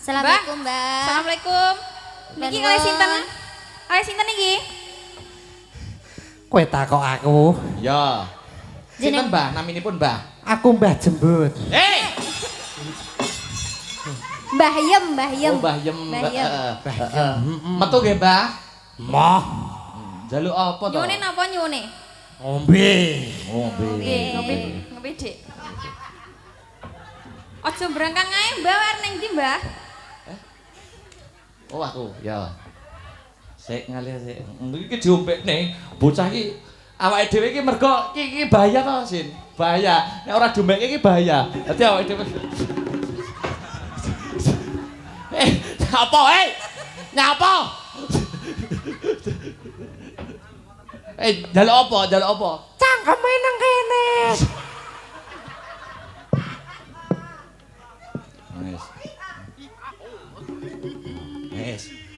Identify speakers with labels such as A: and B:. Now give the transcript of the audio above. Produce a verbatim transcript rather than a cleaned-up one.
A: Assalamualaikum, Mbak.
B: Assalamualaikum. Niki kalih sinten? Kalih sinten niki?
C: Kowe takok aku.
D: Ya. Sinten Mbah? Naminipun Mbah?
C: Aku Mbah Jembut.
D: Hei!
A: Mbah Yem, Mbah Yem.
D: Oh, Mbah Yem.
A: Mbah Yem.
D: Mbah Yem. Metu nggih, Mbah?
C: Moh.
D: Jaluk apa to?
B: Nyone napa nyone?
C: Ngombe.
D: Ngombe.
B: Nggih, ngopi ngopi Dik. Aja brangkang ae, Mbah, arep ning ndi, Mbah?
D: Oh, aku. Ya. Sik ngalih sik. Iki diompekne bocah iki awake dhewe iki mergo iki iki bahaya to, Sin. Bahaya. Nek ora diompeke iki bahaya. Dadi awake dhewe Eh, nyapa, eh? Nyapa? Eh, jaluk apa? Jaluk apa?
C: Cangkeme nang kene.
D: Wes. Wes.